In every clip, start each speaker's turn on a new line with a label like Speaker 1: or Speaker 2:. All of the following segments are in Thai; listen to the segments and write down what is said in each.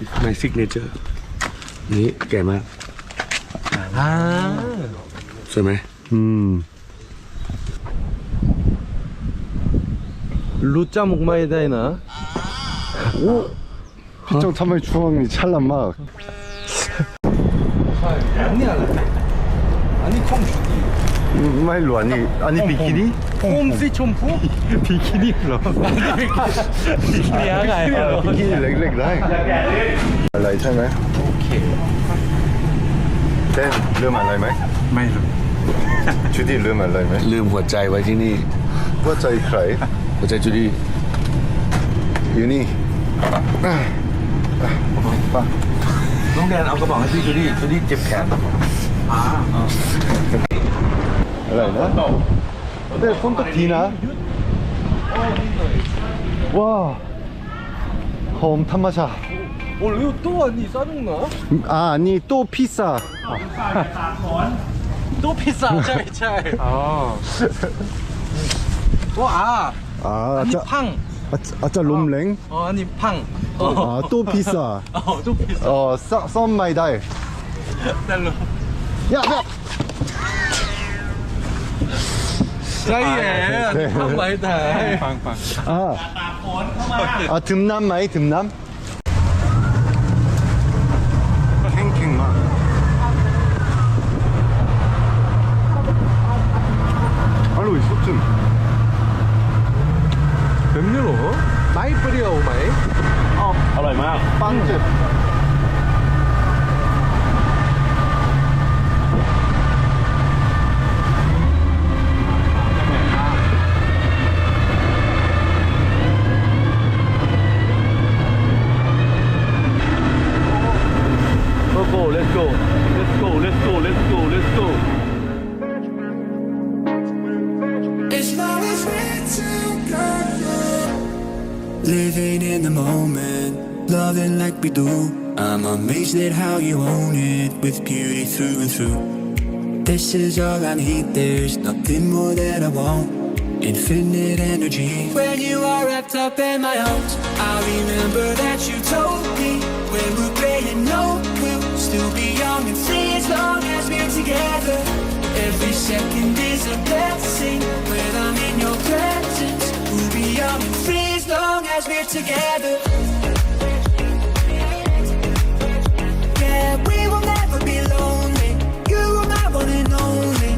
Speaker 1: my signature นี่แก่มากสวยไหม
Speaker 2: รู้จักมุกไม่ได้นะโอ้พี่จงทำไมช่วงนี้ฉลาดมากอันนี้อะไรอันนี้ของชุดไม่รู้อันนี้บิกินี่ผมสีชมพูบิกินี่เหรอบิกินี่อะไรบิกินี่เล็กๆได้อะไรใช่ไหมโอเคเต้นเรื่องอะไรไหมไม่รู้จูดี้เรื่องอะไรไหม
Speaker 1: ลืมหัวใจไว้ที่นี่
Speaker 2: หัวใจใคร
Speaker 1: หัวใจจูดี้
Speaker 2: อยู่นี่ป่ะ
Speaker 1: น้องแดนเอากระบอกให้พี่จูดี้เจ็บแขน
Speaker 2: อะไรนะแต่ฝนตกทีนะว้าหอมธรรมชาติโอ้ยตัวนี้ซาดุงนะนี่ตัวพิซซ่าตัวพิซซ่าใช่ว้าอันนี้พังอาจจะลมแรงอันนี้พังตัวพิซซ่าตัวพิซซ่าซ่อมไม่ได้นั่นเหรอยากใช่แหละทำไมได้ฟังตากฝนเข้ามาถึงน้ำไหมถึงน้ำเข่งมากอร่อยสุดจริงเป็นยังไงหรอไม่เปรี้ยวไหม
Speaker 1: อร่อยมาก
Speaker 2: ปังเจ็บ
Speaker 3: Living in the moment, loving like we do. I'm amazed at how you own it with beauty through and through. This is all I need, there's nothing more that I want. Infinite energy. When you are wrapped up in my arms, I remember that you told me when we're playing no, we'll still be young and free as long as we're together. Every second is a blessing when I'm in your presence. We'll be young and free as long as we're together. Yeah, we will never be lonely. You are my one and only.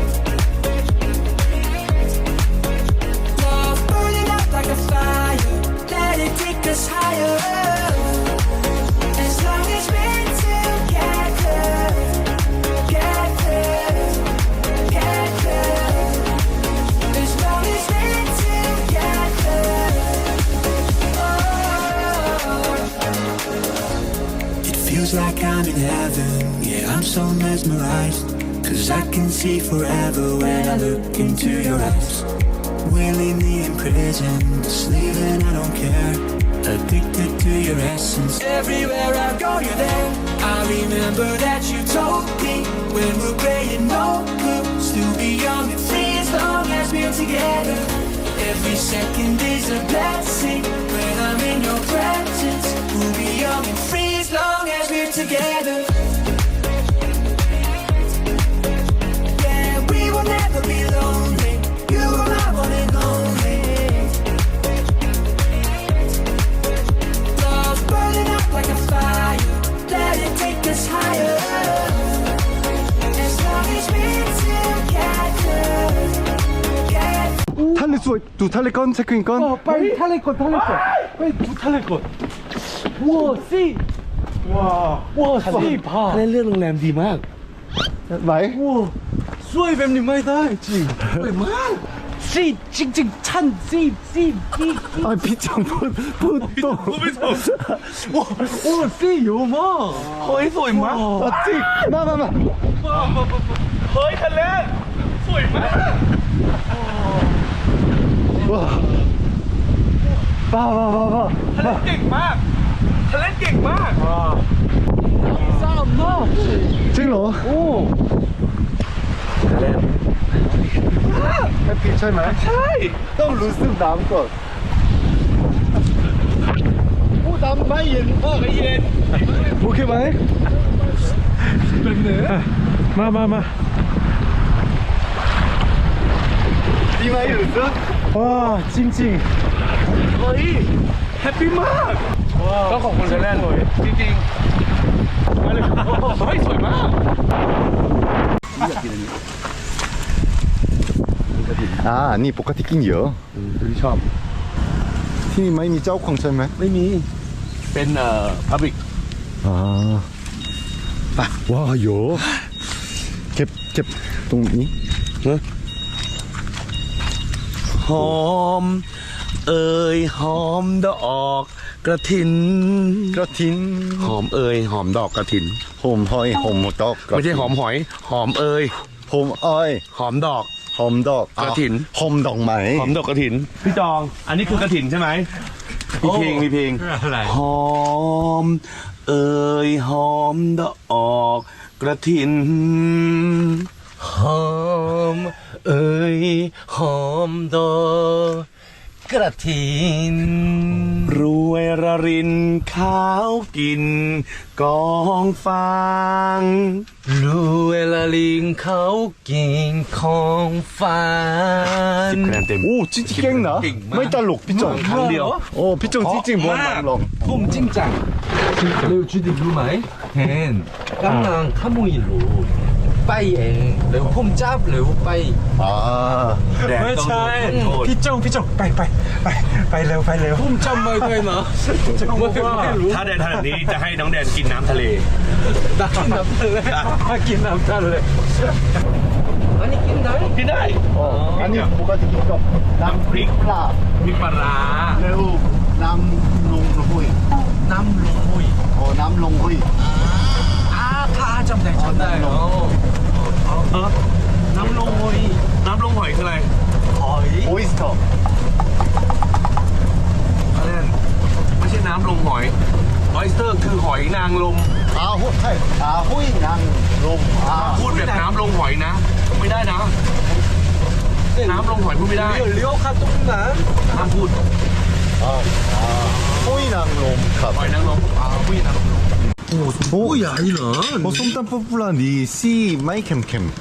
Speaker 3: Love burning up like a fire. Let it take us higher. As long as we're together. As long as we're together. Feels like I'm in heaven, yeah, I'm so mesmerized. Cause I can see forever when I look into your eyes. Willingly imprisoned, sleeping, I don't care. Addicted to your essence. Everywhere I go, you're there. I remember that you told me when we're playing no, we'll still be young and free as long as we're together. Every second is a blessing when I'm in your presence. We'll be young and free as long as we're together. Yeah, we will never be lonely. You are my one and only. Love burning up like a fire. Let it take us higher. As long as we're together.
Speaker 2: 탈레 쏘, 두 탈레 건 체크인 건.
Speaker 4: 빨리 탈레건 빨리 두 탈레건 우와 씨 와 씨 봐
Speaker 1: เล่นเรื่องโรงแรมดีมาก
Speaker 2: ไหน
Speaker 4: 우와 수아이 뱀님 많이 다 했지 씨 찡찡 찬 씨
Speaker 2: 피장 또.
Speaker 4: 와 씨 요마 거의 소이 마
Speaker 2: 찍, 마.
Speaker 4: เฮ้ยทะเลสวยมาก
Speaker 2: 와. 봐.
Speaker 4: ทะเลเก่งมาก싸움 나
Speaker 2: 찍러.
Speaker 4: 오
Speaker 2: 해피 차이만.
Speaker 4: 차이
Speaker 2: 또 루스 남것.
Speaker 4: 오 남 많이 ย็น ก็เย็นโอเคไหมมา
Speaker 2: ดีไหมหรือเปล่า
Speaker 4: ว้าจริงๆเฮ้ยแฮปปี้มากต้องขอบคุณเซเลนจริงๆมาเลยเฮ้ยสวยมาก
Speaker 2: อันนี้ปกติกินเยอะ
Speaker 1: ที่ชอบ
Speaker 2: ที่นี่ไม่มีเจ้าของใช่ไหม
Speaker 1: ไม่มี เป็นพับบิก
Speaker 2: ว้าวเยอะเก็บตรงนี้
Speaker 1: หอม เอ่ยหอมดอกกระถิน
Speaker 2: กระถิน
Speaker 1: หอมเอ่ยหอมดอกกระถิน
Speaker 2: หอมหอยหอมดอก
Speaker 1: ไม่ใช่หอมหอย หอมเอ่ย
Speaker 2: หอมอ้อย
Speaker 1: หอมดอก
Speaker 2: หอมดอก
Speaker 1: กระถิน
Speaker 2: หอมดอกไม้
Speaker 1: หอมดอกกระถิน พี่จอง อันนี้คือกระถินใช่ไหมมีเพลงมีเพลง
Speaker 4: อะไร
Speaker 1: หอม เอ่ยหอมดอกกระถิน
Speaker 4: หอมเอ่ยหอมดอกกระถิน
Speaker 1: รวยระรินข้าวกินกองฟาง
Speaker 4: รู้เวลาลิงเขากินของฟ้า
Speaker 1: 10 คะแนนเต็ม
Speaker 2: โอ้จริงๆเก่งนะไม่ตลกพี่จง
Speaker 1: ครั้งเดียว
Speaker 2: โอ้พี่จงจริงๆบอลลอง
Speaker 4: ผมจริงจังแล้วจุดรู้ไหมเห็นกำลังขโมยรูไปเองแล้วผมจับแล้วไป
Speaker 1: แดด
Speaker 4: ไม่
Speaker 1: ต้อง
Speaker 4: ใช่
Speaker 1: โดนโทษ
Speaker 5: พี่จงไปเร็ว
Speaker 4: ผมจำไม่ได้นะไม่รู้
Speaker 1: ถ้าแดนทำแบบนี้จะให้น้องแดนกินน้ำทะเล
Speaker 4: กินน้ำทะเลกินน้ำทะเลอันนี้กินได้
Speaker 1: กินได้
Speaker 2: อันนี้ปกติกินกับน้ำพริกปลา
Speaker 1: พริกปลาร้า
Speaker 2: แล้วน้ำลงหุย
Speaker 4: น้ำลงมุย
Speaker 2: โอ้น้ำลงหุย
Speaker 4: ข้าจำได้น้ำลงมุย
Speaker 1: น้ำลงหอยคืออะไร
Speaker 4: หอย
Speaker 2: โออิสเตอร์
Speaker 1: อะไรนั่นไม่ใช่น้ำลงหอยออยสเตอร์คือหอยนางรม
Speaker 2: หุยใช่หุยนางลม
Speaker 1: พูดแบบน้ำลงหอยนะ ไม่ได้นะ น้ำลงหอยพูดไม่ได้
Speaker 4: เลี้ยวข้าตรงนั้น
Speaker 1: ห้ามพูด
Speaker 2: หุยนางลมครับ
Speaker 1: หอยนางรมผู้หญิงนางรม
Speaker 2: โอ้ใหญ่เหรอโอ้ส้มตำป๊อปปูล่าดีซี่ไม่เค็ม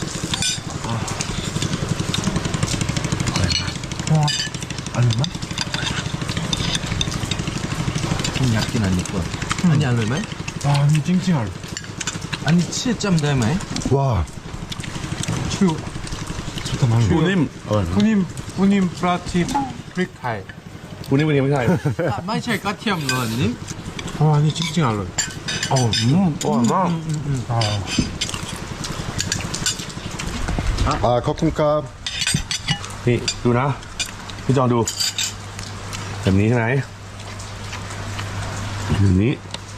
Speaker 4: ผมอยากกินอันนี้ก่อนอันนี้อร่อยไหม
Speaker 5: 아니 찡찡할
Speaker 4: อันนี้ชื่อจำได้ไหม
Speaker 2: 와
Speaker 5: 추
Speaker 1: ปูนิ่ม
Speaker 5: 후님 프라팁 프리카이
Speaker 1: ปูนิ่มไม่ใช่
Speaker 4: ไม่ใช่กระเทียมเลยนี่
Speaker 5: 아니 찡찡할래
Speaker 1: อร่อยมาก
Speaker 2: ขอบคุณครับ
Speaker 1: นี่ดูนะ พี่จองดู แบบนี้ใช่ไหมแบบนี้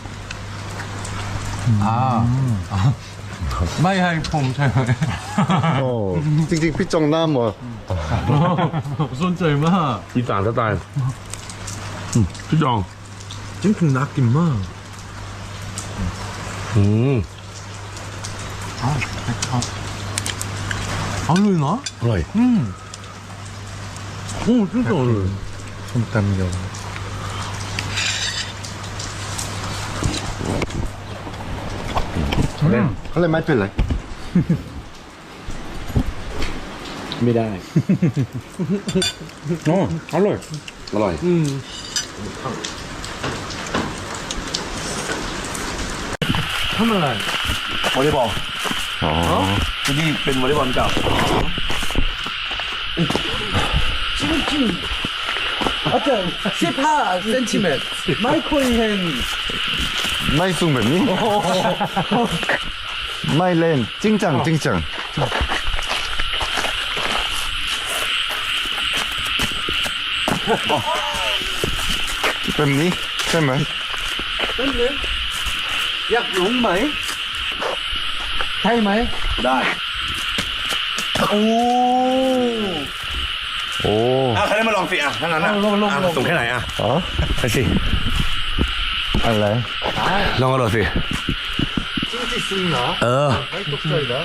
Speaker 5: ไม่ให้ผมใช่ไหม
Speaker 2: โอ้จริงๆพี่จงหน้าหมด
Speaker 5: สนใจมาก
Speaker 1: อีสานสไตล์พี่จอง
Speaker 5: จริงๆน่ากินมาก
Speaker 1: อืม
Speaker 5: อร่อยเนาะ
Speaker 1: อร่อย
Speaker 5: โอ้จริงๆอร่อยส้มตำยำ
Speaker 2: อะไรไม่เป็นไร
Speaker 1: ไม่ได้
Speaker 5: 어อร่อย
Speaker 1: อร่อย
Speaker 4: ทำอะไร
Speaker 1: วอลเลย์บอลที่นี่เป็นวอลเลย์บอลเก่า
Speaker 4: 15cm ไม่เคยเห็น
Speaker 2: ไม่สูงแบบนี้ไม่เล่นจริงจังแบบนี้ใช่ไหม
Speaker 4: อยากลงไหมใช่ไหม
Speaker 1: ได้
Speaker 2: โอ้
Speaker 1: ใครได้มาลองสิถ้างั้นสูงแค่ไหนไปสิ
Speaker 2: อะไร
Speaker 1: ลองกระโดดสิ
Speaker 2: จริงๆเหรอ ไม่ตกใจนะ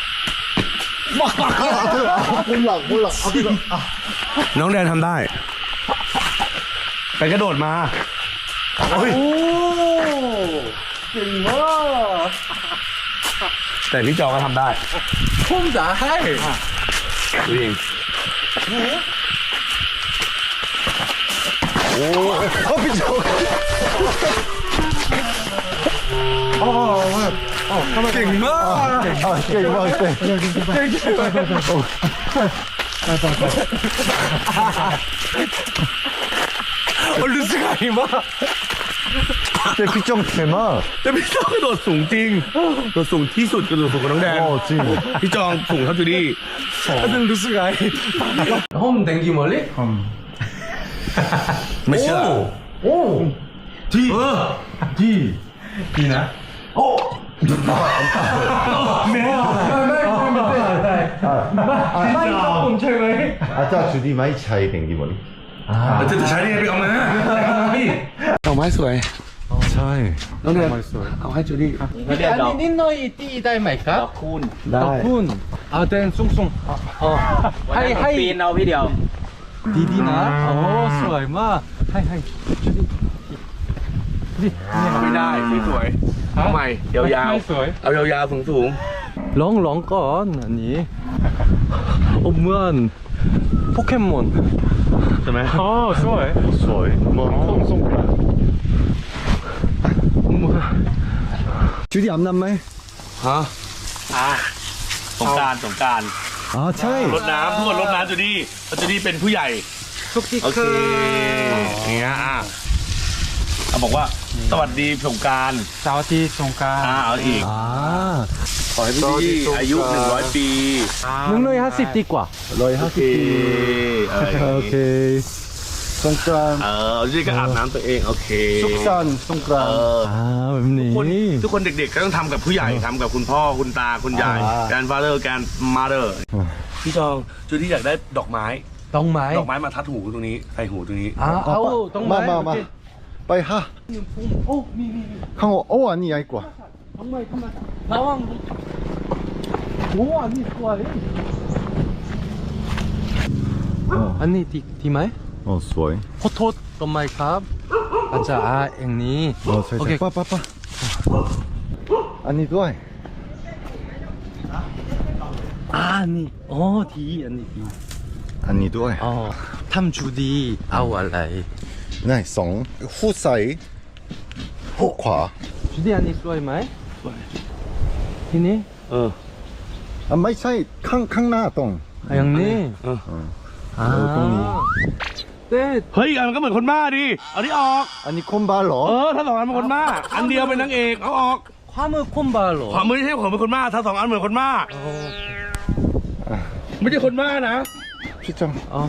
Speaker 2: คุณหลักเอาไปก่อน
Speaker 1: น้องแดนทำได้ ไปกระโดดมา
Speaker 2: โอ้
Speaker 4: เก่งมาก
Speaker 1: แต่พี่จองก็ทำได้
Speaker 4: ผมจะให้
Speaker 1: ดูเอง
Speaker 2: เก่งมากเก่งมากเก่ง
Speaker 1: รู้สึกไงมาก
Speaker 2: แต่พี่จงเท่มาก
Speaker 1: แต่พี่จองกระโดดสูงจริงกระโดดสูงที่สุดกระโดดสูงกว่าน้องแดง
Speaker 2: โอ้จริง
Speaker 1: พี่จองสูงเท่าจูดี้
Speaker 4: รู้สึกไงห้องแต่งกี่โมงเลย
Speaker 1: ไม่เชื่อ
Speaker 4: โอ้ดีดีดีนะโอ้ไม่ต้องผมใช่ไหม
Speaker 2: 아까 주디 많이 차이 댕기 머리
Speaker 1: จะใช้ได้ไงไปเอามาเอาไม้สวย
Speaker 2: 차이
Speaker 1: น้องแดงเอาให้จูดี้
Speaker 4: อันนี้นิดหน่อยตีได้ไหมครับคุณ
Speaker 2: ได้
Speaker 4: คุณเอาเต้นสูงให้ปีนเอาพี่เดียวดีนะโอ้สวยมากให้
Speaker 1: ไม่ได้สวยๆเอาใหม่ยาวๆเอายาวๆสูง
Speaker 4: ร้องก่อนอันนี้เหมือนโปเกมอน
Speaker 1: ๆใช่ไหม
Speaker 4: อ๋อสวย
Speaker 2: 소이 뭐 콩송그라 주디 안 남매
Speaker 1: ฮะสงการ
Speaker 2: 아 차이
Speaker 1: รดน้ำทุกคนรดน้ำจูดี้เพราะจูดี้เป็นผู้ใหญ่
Speaker 4: ทุกที่
Speaker 1: โอเคอย่างเงี้ยเอาบอกว่าสวัสดีสงการ
Speaker 4: เสาร์ที่สงการ
Speaker 1: เอาอีก
Speaker 2: 아
Speaker 1: ขอให้พี่ดี้อายุ100 ปี
Speaker 4: 150ดีกว่า
Speaker 2: 러이
Speaker 1: โอเค
Speaker 2: 하스티 오케이 송크란
Speaker 1: จูดี้ก็อาบน้ำตัวเองโอเค
Speaker 2: 숙산 송크란
Speaker 4: อ่าแบบนี้
Speaker 1: ทุกคนเด็กๆก็ต้องทำกับผู้ใหญ่ทำกับคุณพ่อคุณตาคุณยายการฟาเธอร์การมาเธอร์พี่จองจูดี้อยากได้ดอกไม้
Speaker 4: ต้องไหม
Speaker 1: ดอกไม้มาทัดหูตรงนี้ใส่หูตรงนี้
Speaker 4: เอาต้องไหม
Speaker 2: 마마마 빨리 하
Speaker 4: โอ้มี
Speaker 2: 항어 오 아니 야이과
Speaker 4: ทำไมระวังโอ้อันนี้สวยอันนี้ดีไหม
Speaker 2: 어 소이
Speaker 4: ขอโทษทำไมครับอาจารย์อย่างนี้
Speaker 2: 어 살살
Speaker 4: 오케이.
Speaker 2: 빠빠빠 아니 도이
Speaker 4: อันนี้อ๋อดีอันนี้ดี
Speaker 2: 아니 도이
Speaker 4: อ๋อทำจูดีเอาอะไร
Speaker 2: 나이 송 후사이 후과
Speaker 4: จูดีอันนี้สวยไหมสวยทีนี้
Speaker 2: 아 마이 차이 캉캉나 똥
Speaker 4: อย่างนี้ตรงนี้เต้
Speaker 1: เฮ้ยอันมันก็เหมือนคนบ้าดิเอาที่ออก
Speaker 2: 아니 콤발로
Speaker 1: ถ้าสองอันเป็นคนบ้าอันเดียวเป็นนางเอกเอาออก
Speaker 4: ความมือคมบาเหรอ
Speaker 1: ขวามือไม่ใช่ผมเป็นคนบ้าถ้าสองอันเหมือนคนบ้าไม่ใช่คนบ้านะ
Speaker 2: 피정
Speaker 4: อ๋อ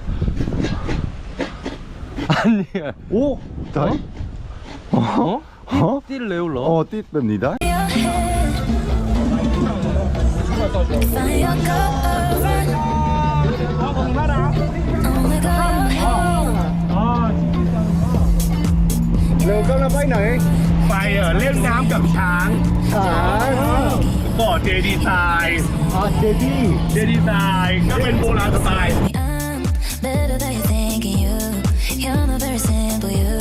Speaker 4: อันนี้
Speaker 2: 오 다이
Speaker 4: อ๋อ
Speaker 2: 어?
Speaker 4: ที่เร็วเหรอ
Speaker 2: 어 띠입니다
Speaker 6: Find your girlfriend. Only got your head.
Speaker 2: เร็วก็เราไปไหน
Speaker 1: ไปเล่นน้ำกับช้าง
Speaker 2: ช้าง
Speaker 1: ก่อเจดีไซน์
Speaker 2: เจดี้
Speaker 1: เจดีไซน์ก็เป็นโบราณสไตล์
Speaker 6: I'm better than you think you. You're not very simple, you.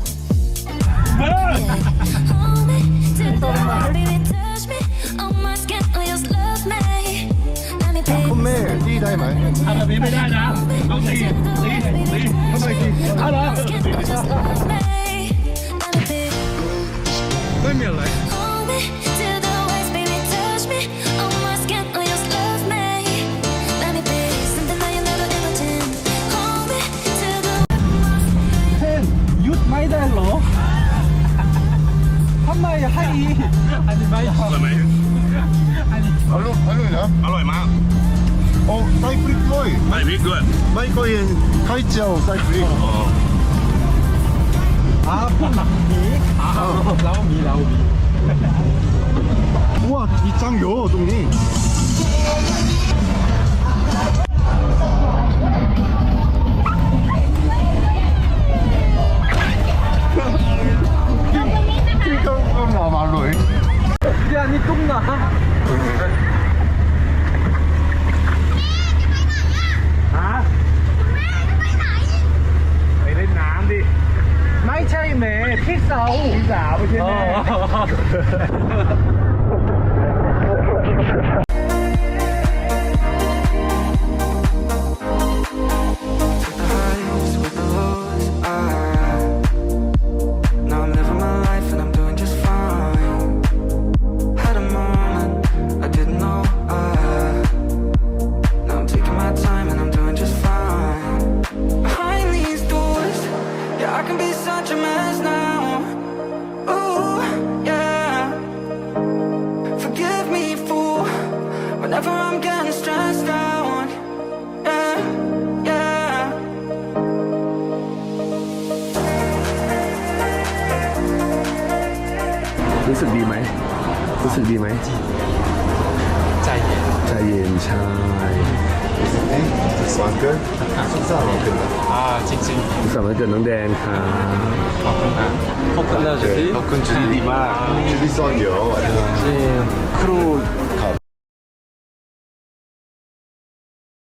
Speaker 6: Hold me till the baby touch me. On my skin, oh, just love me. Let me be.
Speaker 2: คุณแม่ดีได้ไหม
Speaker 1: ทำแบบนี้ไม่ได้นะต้องตี
Speaker 2: ทำไมดี
Speaker 6: Just love me. Let me be.
Speaker 4: ไม่มีอะไร
Speaker 6: Hold me till the waist, baby, touch me. On my skin, oh, just love me. Let me be something that you never imagined. Hold me till the
Speaker 4: เช่นหยุดไม่ได้เหรอทำไมให้อันนี้ไม่
Speaker 1: อร่อยไหม
Speaker 2: 알로이나
Speaker 1: อร่อยมาก
Speaker 2: 사이프릭 플로이
Speaker 1: ใส่พริกด้วย
Speaker 2: 마이코인 카이치아오 사이프릭
Speaker 4: เรามี
Speaker 2: 우와 이짱요 동니 그럼 나 말로이
Speaker 4: เดี๋ยวอันนี้ตุ้งนะ
Speaker 1: ไปเล่นน้ำดิ
Speaker 4: ไม่ใช่แม่
Speaker 2: พี่สาวพี่สาวไม่ใช่แม่
Speaker 3: With the highs, with the lows, now I'm living my life and I'm doing just fine. Had a moment I didn't know. Now I'm taking my time and I'm doing just fine. Behind these doors, yeah, I can be such a mess now. Ooh, yeah. Forgive me, fool, whenever I'm getting stressed out. Yeah, yeah.
Speaker 2: รู้สึกดีไหมรู้สึกดีไหมใจเย็นใจเย็นใช่
Speaker 7: วันเกิดสุขสันต์วันเกิด
Speaker 2: สุขสันต์วันเกิดน้องแดนค่ะ
Speaker 7: ขอบคุณจุดีดีมากจุดีซอนเดียวอันนี้ครูครับ